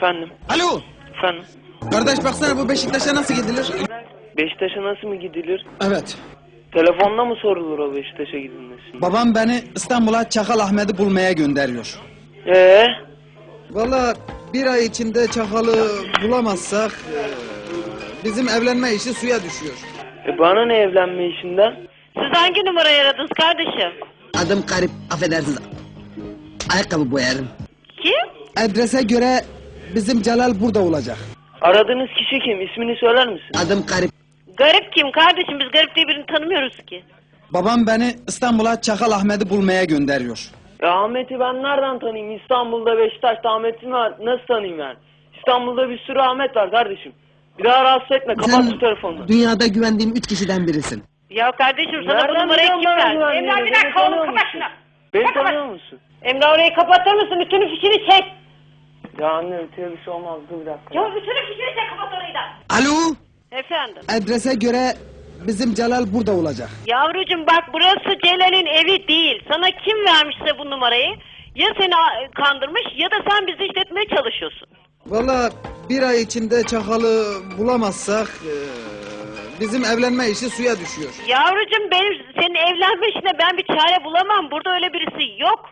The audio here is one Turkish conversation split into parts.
Efendim? Alo! Efendim? Kardeş baksana bu Beşiktaş'a nasıl gidilir? Beşiktaş'a nasıl mı gidilir? Evet. Telefonla mı sorulur o Beşiktaş'a gidilmesi? Babam beni İstanbul'a Çakal Ahmet'i bulmaya gönderiyor. Valla bir ay içinde Çakal'ı bulamazsak bizim evlenme işi suya düşüyor. Bana ne evlenme işinden? Siz hangi numarayı aradınız kardeşim? Adım Garip, affedersiniz. Ayakkabı boyarım. Kim? Adrese göre bizim Celal burada olacak. Aradığınız kişi kim? İsmini söyler misin? Adım Garip. Garip kim kardeşim? Biz garip diye birini tanımıyoruz ki. Babam beni İstanbul'a Çakal Ahmet'i bulmaya gönderiyor. Ahmet'i ben nereden tanıyayım? İstanbul'da Beşiktaş'ta Ahmet'i nasıl tanıyayım yani? İstanbul'da bir sürü Ahmet var kardeşim. Bir daha rahatsız etme, kapat şu telefonunu. Dünyada güvendiğim 3 kişiden birisin. Ya kardeşim sana bu Nereden numarayı biliyorum kim ben verdi? güvenliğini? Emrah bir Beni dakika oğlum tanıyor kapat musun? şunu. Beni Kapat. tanıyor musun? Emrah orayı kapatır mısın? Bütün fişini çek. Ya anne öteye bir şey olmaz, dur bir dakika. Ya bütün fişini çek, kapat orayı da. Alo! Efendim? Adrese göre bizim Celal burada olacak. Yavrucuğum bak burası Celal'in evi değil. Sana kim vermişse bu numarayı ya seni kandırmış ya da sen bizi işletmeye çalışıyorsun. Valla bir ay içinde Çakal'ı bulamazsak bizim evlenme işi suya düşüyor. Yavrucuğum benim senin evlenme işine ben bir çare bulamam. Burada öyle birisi yok.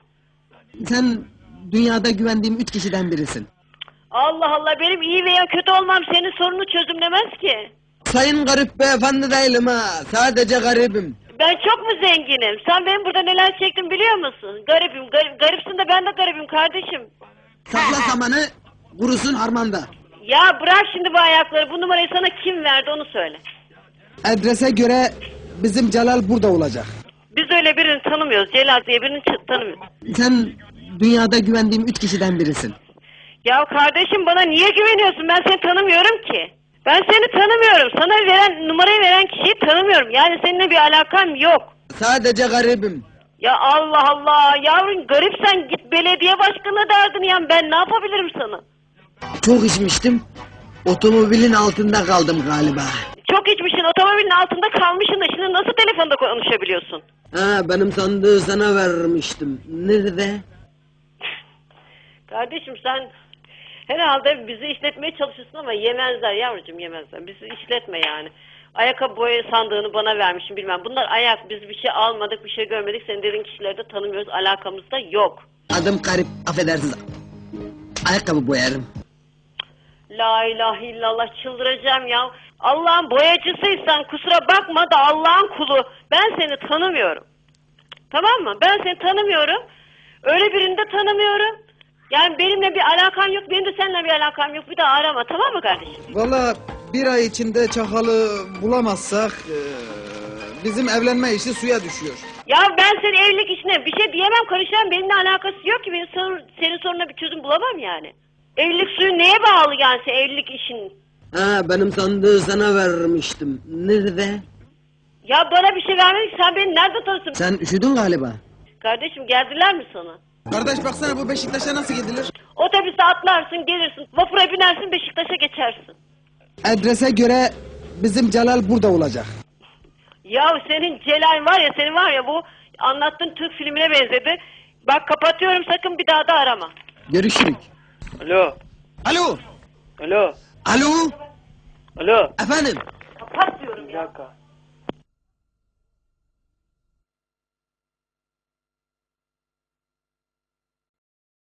Sen dünyada güvendiğim 3 kişiden birisin. Allah Allah benim iyi veya kötü olmam senin sorunu çözümlemez ki. Sayın Garip beyefendi değilim ha. Sadece garibim. Ben çok mu zenginim? Sen benim burada neler çektim biliyor musun? Garibim, garipsin de ben de garibim kardeşim. Sakla samanı, kurusun harmanda. Ya bırak şimdi bu ayakları. Bu numarayı sana kim verdi onu söyle. Adrese göre bizim Celal burada olacak. Biz öyle birini tanımıyoruz. Celal diye birini tanımıyoruz. Sen dünyada güvendiğim 3 kişiden birisin. Ya kardeşim bana niye güveniyorsun? Ben seni tanımıyorum ki. Ben seni tanımıyorum. Sana numarayı veren kişiyi tanımıyorum. Yani seninle bir alakam yok. Sadece garibim. Ya Allah Allah. Yavrum garipsen git belediye başkanına derdin ya. Ben ne yapabilirim sana? Çok içmiştim. Otomobilin altında kaldım galiba. Çok içmişsin. Otomobilin altında kalmışsın da şimdi nasıl telefonda konuşabiliyorsun? Ha, benim sandığı sana vermiştim. Nerede? Kardeşim sen herhalde bizi işletmeye çalışıyorsun ama yemezler yavrucuğum yemezler. Bizi işletme yani. Ayakkabı boya sandığını bana vermişim bilmem. Bunlar ayak biz bir şey almadık bir şey görmedik. Senin dediğin kişileri de tanımıyoruz alakamız da yok. Adım Garip, affedersiniz. Ayakkabı boyarım. La ilahe illallah çıldıracağım ya. Allah'ın boyacısıysan kusura bakma da Allah'ın kulu. Ben seni tanımıyorum. Tamam mı? Ben seni tanımıyorum. Öyle birini de tanımıyorum. Yani benimle bir alakan yok, benim de seninle bir alakam yok. Bir daha arama, tamam mı kardeşim? Valla bir ay içinde Çakal'ı bulamazsak bizim evlenme işi suya düşüyor. Ya ben senin evlilik işine bir şey diyemem, karışamam. Benimle alakası yok ki. Senin sorununa bir çözüm bulamam yani. Evlilik suyu neye bağlı yani senin evlilik işin? Ha, benim sandığı sana vermiştim. Nerede? Ya bana bir şey vermedin, sen beni nerede tanırsın? Sen üşüdün galiba. Kardeşim geldiler mi sana? Kardeş baksana bu Beşiktaş'a nasıl gidilir? Otobüse atlarsın, gelirsin. Vapura binersin, Beşiktaş'a geçersin. Adrese göre bizim Celal burada olacak. Ya senin Celal var ya, senin var ya bu anlattığın Türk filmine benzedi. Bak kapatıyorum, sakın bir daha da arama. Görüşürük. Alo, Alo! alo, Alo? alo. Efendim? Kapat diyorum Bir ya. dakika.